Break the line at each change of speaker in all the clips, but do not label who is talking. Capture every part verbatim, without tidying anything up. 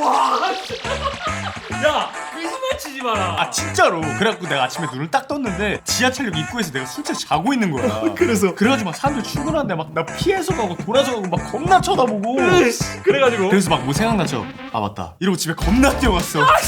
와, 야, 거짓말 치지 마라.
아 진짜로. 그래갖고 내가 아침에 눈을 딱 떴는데 지하철역 입구에서 내가 술집 자고 있는 거야.
그래서
그래가지고 막 사람들 출근하는데 막 나 피해서 가고 돌아서 가고 막 겁나 쳐다보고.
으이씨, 그래가지고
그래서 막 뭐 생각나죠? 아 맞다 이러고 집에 겁나 뛰어갔어.
야,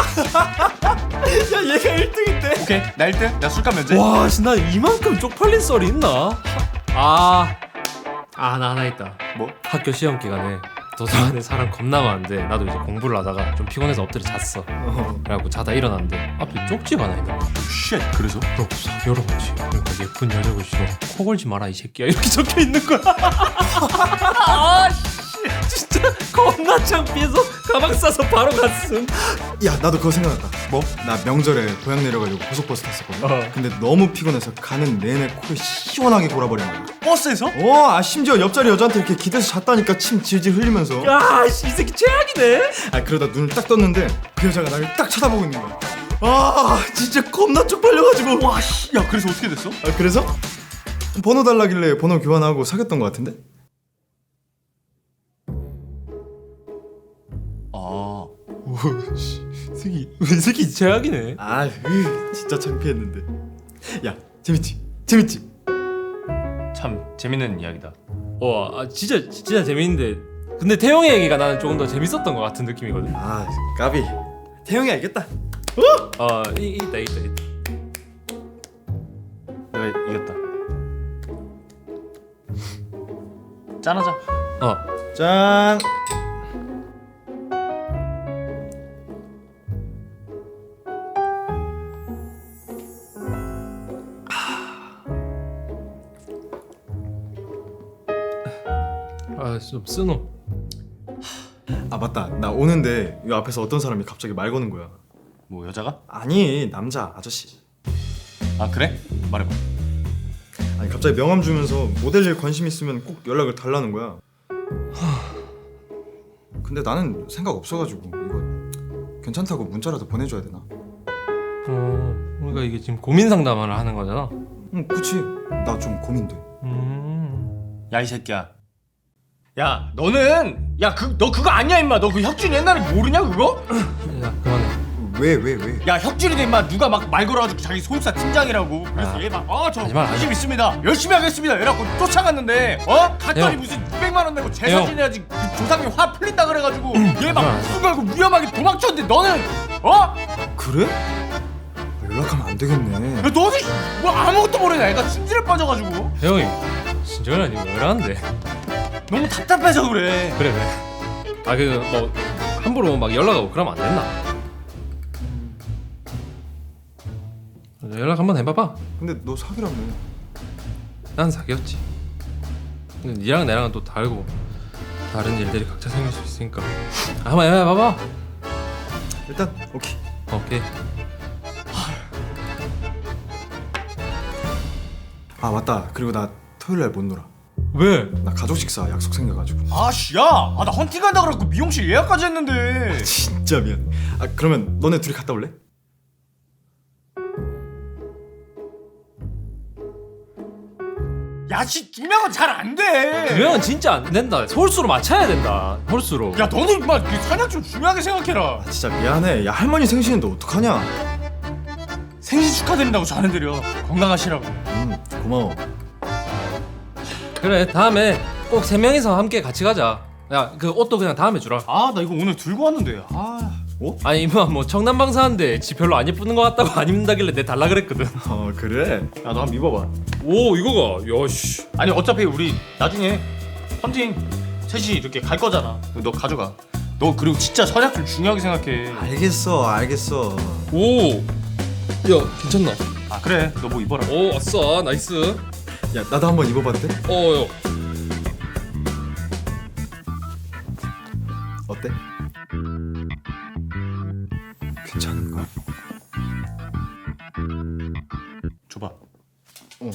얘가 일 등인데.
오케이 나 일 등. 나 술값 면제.
와, 씨, 나 이만큼 쪽팔린 썰이 있나? 아, 아, 나 하나 있다.
뭐?
학교 시험 기간에 도서관에 사람 겁나 많은데 나도 이제 공부를 하다가 좀 피곤해서 엎드려 잤어. 그래갖고 자다 일어났는데 앞에 쪽지가 하나 있는 거야.
쉣 그래서?
그러고 싹 열어보지. 그러니까 예쁜 여자 글씨로 코 걸지 마라 이 새끼야 이렇게 적혀 있는 거야. 아, 씨, 진짜 겁나 창피해서 가방 싸서 바로 갔음.
야 나도 그거 생각났다.
뭐?
나 명절에 고향 내려가지고 고속버스 탔었거든.
어.
근데 너무 피곤해서 가는 내내 코를 시원하게 골아버린 거야.
버스에서?
어, 아 심지어 옆자리 여자한테 이렇게 기대서 잤다니까 침 질질 흘리면서.
야, 씨, 이 새끼 최악이네.
아 그러다 눈을 딱 떴는데 그 여자가 나를 딱 쳐다보고 있는 거야. 아 진짜 겁나 쪽팔려가지고.
와 씨. 야 그래서 어떻게 됐어?
아 그래서 번호 달라길래 번호 교환하고 사귀었던 것 같은데?
아
오씨, 새끼, 이 새끼 최악이네.
아 으, 진짜 창피했는데. 야 재밌지? 재밌지?
참 재밌는 이야기다.
와, 아, 진짜 진짜 재밌는데. 근데 태용이 얘기가 나는 조금 더 재밌었던 것 같은 느낌이거든.
아 까비. 태용이 알겠다.
아, 이, 있다 있다 있다.
내가 이겼다. 짠하자.
어,
짠.
아, 좀 쓰노.
아 맞다. 나 오는데 이 앞에서 어떤 사람이 갑자기 말 거는 거야.
뭐 여자가?
아니 남자 아저씨.
아 그래? 말해봐.
아니 갑자기 명함 주면서 모델일 관심 있으면 꼭 연락을 달라는 거야. 근데 나는 생각 없어가지고 이거 괜찮다고 문자라도 보내줘야 되나?
어, 그러니까 이게 지금 고민 상담을 하는 거잖아.
응 그치. 나 좀 고민돼.
음.
야 이 새끼야. 야 너는 야 그 너 그거 아니야 임마. 너 그 혁준이 옛날에 모르냐 그거?
야, 그만해.
왜 왜 왜?
야 혁준이도 임마 누가 막 말 걸어가지고 자기 소속사 팀장이라고. 그래서
아,
얘 막 아저
하지 마, 하지
관심
마.
있습니다. 열심히 하겠습니다. 이래갖고 쫓아갔는데 어? 갔더니
형.
무슨 육백만 원 내고 제사
형.
지내야지 그 조상님 화 풀린다 그래가지고 얘 막
하지 마.
무슨 걸고 위험하게 도망쳤는데 너는 어?
그래? 아, 연락하면 안 되겠네.
야, 너는 뭐 아무것도 모르냐. 애가 심질에 빠져가지고
태용이 진정이라 니왜 이러는데?
너무 답답해서 그래.
그래 그래. 아, 그 뭐 함부로 막 연락하고 그러면 안 됐나? 연락 한번 해봐봐.
근데 너 사귀라며.
난 사귀었지. 근데 니랑 나랑은 또 다르고 다른 일들이 각자 생길 수 있으니까 한번 해봐봐.
일단 오케이.
오케이.
아 맞다. 그리고 나 토요일 날 못 놀아.
왜?
나 가족 식사 약속 생겨가지고.
아씨 야, 아, 나 헌팅 간다 그래갖고 미용실 예약까지 했는데.
진짜 미안. 아 그러면 너네 둘이 갔다 올래?
야씨 두 명은 잘 안 돼.
두 명은 진짜 안 된다. 홀수로 맞춰야 된다. 홀수로.
야 너는 임마 그 선약 좀 중요하게 생각해라.
아 진짜 미안해. 야 할머니 생신인데 어떡하냐?
생신 축하드린다고 전해드려. 건강하시라고.
음 고마워.
그래, 다음에 꼭 세 명이서 함께 같이 가자. 야, 그 옷도 그냥 다음에 주라.
아 나 이거 오늘 들고 왔는데. 아.
어?
아니 이모 뭐 청남방사인데 지 별로 안 예쁘는 것 같다고 안 입는다길래 내 달라 그랬거든.
어 그래?
야 너 한번 입어봐.
오, 이거가 야씨.
아니 어차피 우리 나중에 헌팅 셋이 이렇게 갈 거잖아. 너 가져가. 너 그리고 진짜 선약 좀 중요하게 생각해.
알겠어 알겠어.
오, 야 괜찮나?
아 그래 너 뭐 입어라.
오, 아싸, 나이스.
야 나도 한번 입어봐도 돼?
어, 야.
어때? 괜찮은가?
줘봐.
어.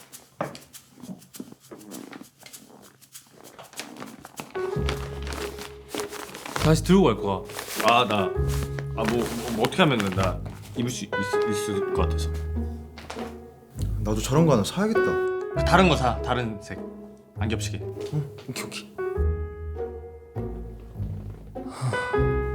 다시 들고 갈 거야.
아 나 아 뭐 뭐 어떻게 하면은 나 입을 수 있, 있을 것 같아서.
나도 저런 거 하나 사야겠다.
다른 거 사. 다른 색. 안 겹치게.
응 오케이 오케이.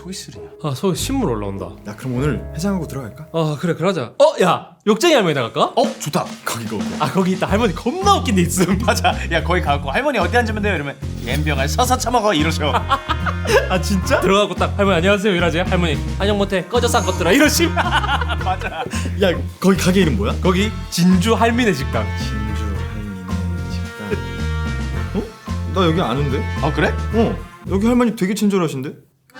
소개시리냐?
아 소 신문 올라온다.
야 그럼 오늘 해장하고 들어갈까?
아 그래 그러자. 어야 욕쟁이 할머니 나갈까?
어 좋다.
거기가 어디야?
아 거기 있다. 할머니 겁나 웃긴 데 있음.
맞아. 야 거기 가고 할머니 어디 앉으면 돼요? 이러면 옌병을 서서 처먹어 이러셔.
아 진짜?
들어가고 딱 할머니 안녕하세요 이러지. 할머니 안녕 못해 꺼져 싼 것들아 이러시.
맞아.
야 거기 가게 이름 뭐야?
거기 진주 할미네 식당.
진주 할미네 식당. 어? 나 여기 아는데?
어 그래?
어 여기 할머니 되게 친절하신데?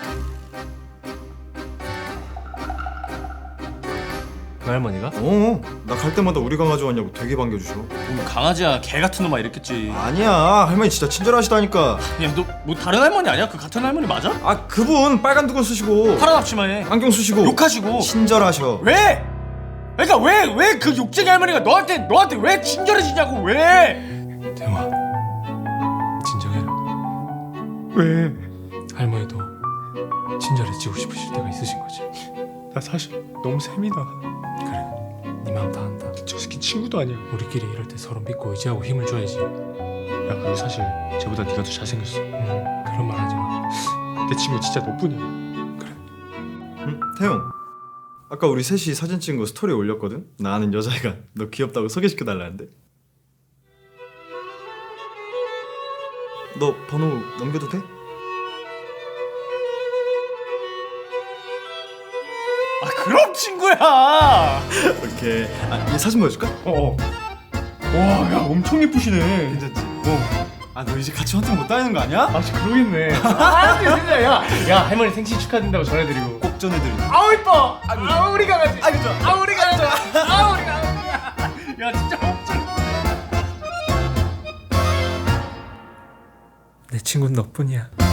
그 할머니가?
어나 갈 때마다 우리 강아지 왔냐고 되게 반겨주셔.
뭐 강아지야 개 같은 놈아 이랬겠지.
아니야 할머니 진짜 친절하시다니까.
야 너 뭐 다른 할머니 아니야? 그 같은 할머니 맞아?
아 그분 빨간 두건 쓰시고
파란 앞치마에
안경 쓰시고
욕하시고.
친절하셔.
왜? 그러니까 왜 왜 그 욕쟁이 할머니가 너한테 너한테 왜 친절해지냐고 왜?
대화 진정해라.
왜?
할머니도 친절해지고 싶으실 때가 있으신 거지.
나 사실 너무 셈이다.
그래 네 마음 다 안다.
저 새끼 친구도 아니야.
우리끼리 이럴 때 서로 믿고 의지하고 힘을 줘야지.
야 그리고 사실 쟤보다 네가 더 잘생겼어.
음, 그런 말 하지 마.
내 친구 진짜 너뿐이야.
응? 태용 아까 우리 셋이 사진 찍은 거 스토리에 올렸거든? 나 아는 여자애가 너 귀엽다고 소개시켜달라는데. 너 번호 넘겨도 돼?
아 그럼 친구야.
오케이. 아, 얘 사진 보여줄까?
어. 와, 야 엄청 예쁘시네.
괜찮지? 어. 아, 너 이제 같이 헌팅 못 다니는 거 아니야?
아, 진짜 그러겠네. 아, 진짜 야, 야 할머니 생신 축하드린다고 전해드리고.
꼭 전해드려.
아우 이뻐. 아우 우리 강아지. 아이고 좋아. 아우 우리 강아지. 아우 우리 강아지. 야 진짜 엄청.
내 친구는 너뿐이야.